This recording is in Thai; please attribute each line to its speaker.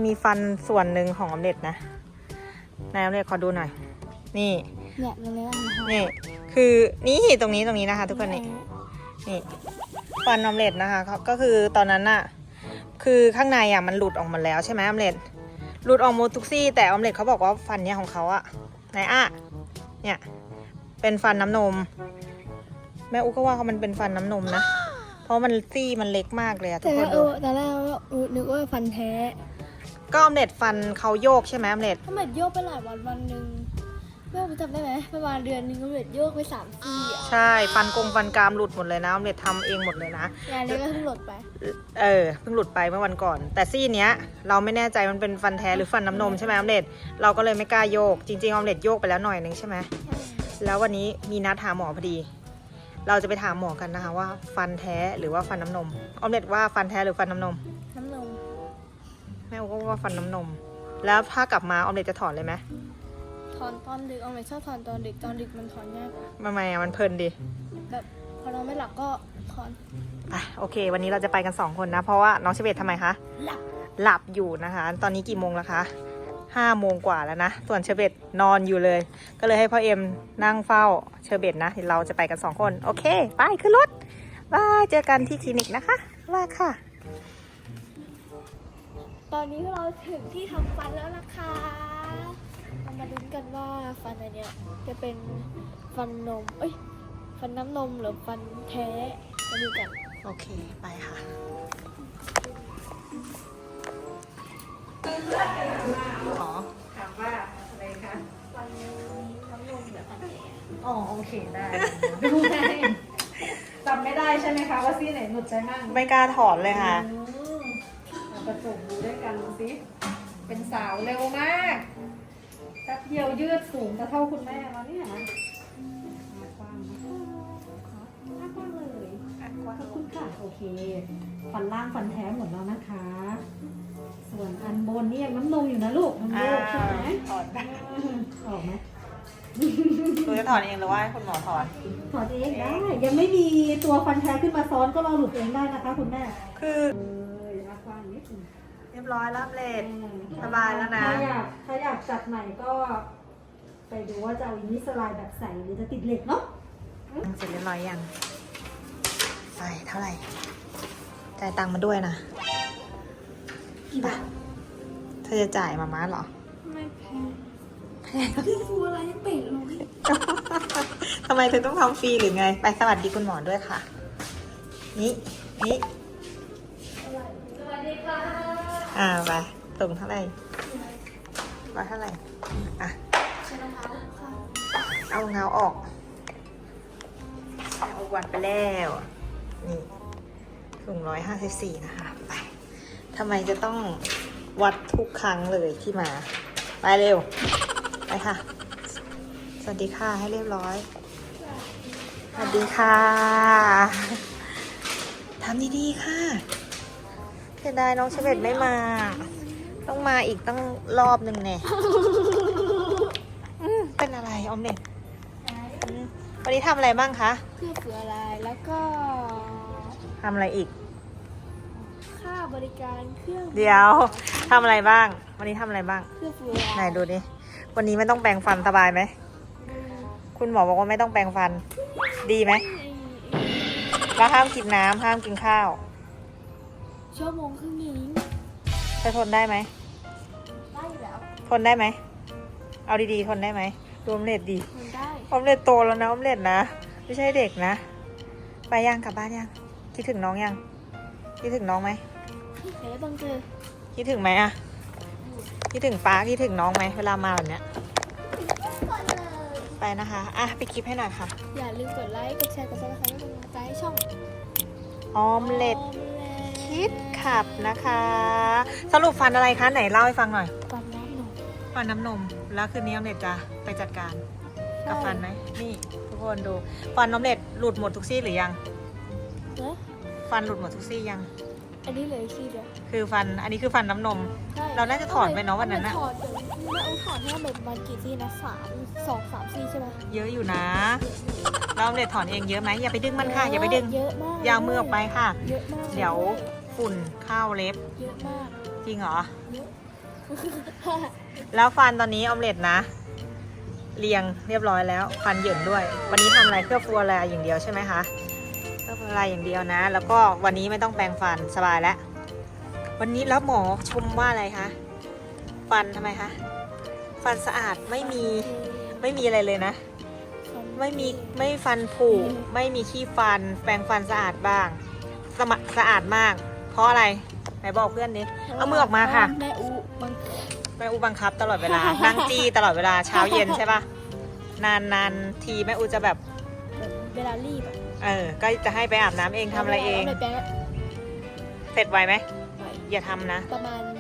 Speaker 1: มีฟันส่วนหนึ่งของออมเล็ตนะนายออมเล็ตขอดูหน่อยนี่
Speaker 2: เนี่ยเนื้อ
Speaker 1: นี่คือนี่ตรงนี้นะคะ ทุกคนนี่ฟันออมเล็ตนะคะก็คือตอนนั้นน่ะคือข้างในอ่ะมันหลุดออกมาแล้วใช่ไหมออมเล็ตหลุดออกหมดทุกซี่แต่ออมเล็ตเขาบอกว่าฟันเนี้ยของเขาอะไหนอะเนี่ยเป็นฟันน้ำนมแม่อุ๊กก็ว่ามันเป็นฟันน้ำนมนะเพราะมันซี่มันเล็กมากเลยอะทุกคนดู
Speaker 2: แต่แรกนึกว่าฟันแท้
Speaker 1: ก็ออมเล็ตฟันเขาโยกใช่ไหมออมเล็ต
Speaker 2: ออมเล็ตโยกไปหลายวันหนึ่งแม่จำได้ไหมประมาณเดือนนึงออมเล็ตโยกไป3 ซี่อ่ะ
Speaker 1: ใช่ฟันกรามหลุดหมดเลยนะออมเล็ตทำเองหมดเลยนะ
Speaker 2: งานนี้ก็เพิ่งหลุดไป
Speaker 1: เพิ่งหลุดไปเมื่อวันก่อนแต่ซี่เนี้ยเราไม่แน่ใจมันเป็นฟันแท้หรือฟันน้ำนมใช่ไหมออมเล็ตเราก็เลยไม่กล้าโยกจริงๆออมเล็ตโยกไปแล้วหน่อยนึงใช่ไหมแล้ววันนี้มีนัดหาหมอพอดีเราจะไปถามหมอกันนะคะว่าฟันแท้หรือว่าฟันน้ำนมออมเล็ตว่าฟันแท้หรือฟันน้ำนมแม่ก็ว่าฟันน้ำนมแล้วถ้ากลับมาออมเล็ตจะถอนเลยไหม
Speaker 2: ถอนตอนดึกออมเล็ตชอบถอนตอนดึกมันถอนยากกว่า
Speaker 1: ทำไมมันเพลินดี
Speaker 2: แบบพอเราไม่หลับก็ถอน
Speaker 1: โอเควันนี้เราจะไปกัน2 คนนะเพราะว่าน้องเชเบตทำไมคะหลับอยู่นะคะตอนนี้กี่โมงแล้วคะ5 โมงกว่าแล้วนะส่วนเชเบตนอนอยู่เลยก็เลยให้พ่อเอ็มนั่งเฝ้าเชเบตนะเราจะไปกัน2 คนโอเคไปขึ้นรถบายเจอกันที่คลินิกนะคะว่าค่ะ
Speaker 2: ตอนนี้เราถึงที่ทำฟันแล้วนะคะเรามาลุ้นกันว่าฟันอันเนี้ยจะเป็นฟันนมฟันน้ำนมหรือฟันแท้มาดูกัน
Speaker 1: โอเคไปค่ะอ๋อถามว่าอะไรคะ
Speaker 2: ฟันนี้น้ำนมหรือฟันแท้
Speaker 1: อ๋อโอเคได้ดูได้จำไม่ได้ใช่ไหมคะว่าซี่ไหนหนุดใจมั่งไม่กล้าถอนเลยค่ะเราประจบดูด้วยกันดูสิเป็นสาวเร็วมากแป๊บเดียวยืดสูงจะเท่าคุณแม่แล้วเนี่ยนะกว้างเลย
Speaker 3: ขอบคุณค่ะโอเคฟันล่างฟันแท้หมดแล้วนะคะ ส่วนอันบนนี่ยังน้ำนมอยู่นะลูกน้ำนมใช่ไหม
Speaker 1: ถอนได้
Speaker 3: ออกไหม
Speaker 1: คุณจะถอนเองหรือว่าให้คุณหมอถอน
Speaker 3: ถอนเองได้ยังไม่มีตัวฟันแท้ขึ้นมาซ้อนก็เราหลุดเองได้นะคะคุณแม่
Speaker 1: คือ
Speaker 3: กว้างนิดนึง
Speaker 1: เรียบร้อยแล้วเลดสบายแล้วนะ
Speaker 3: ถ้าอยากจัดใหม่ก็ไปดูว่าจะเอาอินิสไลด์แบบใสหรือจะติดเหล็กเนาะ
Speaker 1: เสร็จเรียบร้อยยังไปเท่าไหร่จ่ายตังค์มาด้วยนะ
Speaker 3: กี่บาท
Speaker 1: เธอจะจ่ายมาม่าเหรอ
Speaker 2: ไม่แพงพี่ฟูอะไรยังเป็ดเลย
Speaker 1: ทำไมเธอต้องทำฟรีหรือไงไปสวัสดีคุณหมอด้วยค่ะนี่
Speaker 2: สวัสดีค่ะ
Speaker 1: ไปส่งเท่าไหร่เท่าไหร่เอาเงาออกเอาวัดไปแล้วนี่สูง154นะคะไปทำไมจะต้องวัดทุกครั้งเลยที่มาไปเร็วไปค่ะสวัสดีค่ะให้เรียบร้อยสวัสดีค่ะทำดีๆค่ะเสียดายน้องเชเวตไม่มาต้องมาอีกตั้งรอบหนึ่งเนี่ยเป็นอะไรออมเล็ตวันนี้ทำอะไรบ้างคะ
Speaker 2: เพื่อเฟืออะไรแล้วก็
Speaker 1: ทำอะไรอีก
Speaker 2: ค่าบริการเครื่อง
Speaker 1: เดี๋ยวทำอะไรบ้างวันนี้ทำอะไรบ้าง
Speaker 2: เพื่อเฟือ
Speaker 1: ไหนดูดิวันนี้ไม่ต้องแปรงฟันสบายไหมคุณหมอบอกว่าไม่ต้องแปรงฟันดีไหมแล้วห้ามกินน้ำห้ามกินข้าว
Speaker 2: ชั่วโมงครึ่งนี้
Speaker 1: จะทนได้ไหม
Speaker 2: ได้อยู่แล้ว
Speaker 1: ทนได้ไหมเอาดีๆทนได้ไหมรวมเล็ดดี
Speaker 2: ทนได้
Speaker 1: ออมเล็ตโตแล้วนะออมเล็ตนะไม่ใช่เด็กนะไปยังกลับบ้านยังคิดถึงน้องยังคิดถึงน้องไหม
Speaker 2: บังเจอ
Speaker 1: คิดถึงไหมอะคิดถึงป้าคิดถึงน้องไหมเวลามาแบบเนี้ยไปนะคะไปคลิปให้หน่อยค่ะ
Speaker 2: อย่าลืมกดไลค์กดแชร์กดซับสไครป์เป็นกำลังใจให้ช่อง
Speaker 1: ออมเล็ตคิดขับนะคะสรุปฟันอะไรคะไหนเล่าให้ฟังหน่อยฟันน้ำนมแล้วคืนนี้ออมเล็ตจะไปจัดการกับฟันไหมนี่ทุกคนดูฟันออมเล็ตหลุดหมดทุกซี่หรือยังฟันหลุดหมดทุกซี่ยัง
Speaker 2: อันนี้เลยซี่เดียว
Speaker 1: คือฟันอันนี้คือฟันน้ำนมเราน่าจะถอนไปเนาะวันนั้นนะ
Speaker 2: ถอนถอนให้แบบมันกี่ซี่นะ2-3 ซี่ใช่ไหม
Speaker 1: เยอะอยู่นะเราเด็ดถอนเองเยอะไหมอย่าไปดึงมันค่ะอย่าไปดึง
Speaker 2: เยอะมาก
Speaker 1: ยาวมือออกไปค่ะ
Speaker 2: เยอะมาก
Speaker 1: เดี๋ยวฝุ่นเข้าเล็บ
Speaker 2: เยอะมาก
Speaker 1: จริงเหรอแล้วฟันตอนนี้ออมเล็ตนะ เรียงเรียบร้อยแล้ว ฟันเหยินด้วย วันนี้ทำอะไรเคลือบฟัวแลอย่างเดียวใช่ไหมคะเคลือบฟัวแลอย่างเดียวนะ แล้วก็วันนี้ไม่ต้องแปรงฟันสบายแล้ว วันนี้แล้วหมอชมว่าอะไรคะ ฟันทำไมคะ ฟันสะอาดไม่มีอะไรเลยนะ ไม่ฟันผุไม่มีขี้ฟัน แปรงฟันสะอาดบ้างสะอาดมาก เพราะอะไรไหนบอกเพื่อนดิเอามือออกมาค่ะ
Speaker 2: แม่อู
Speaker 1: บังคับตลอดเวลา นั่งจี้ตลอดเวลาเช้าเย็นใช่ปะนานทีแม่อูจะแบบ
Speaker 2: เวลารีบอะ
Speaker 1: ก็จะให้ไปอาบน้ำเองทำอะไรเอง
Speaker 2: าไปแปรง
Speaker 1: เสร็จไวไหม
Speaker 2: ไป
Speaker 1: อย่าทำนะ
Speaker 2: ประมาณ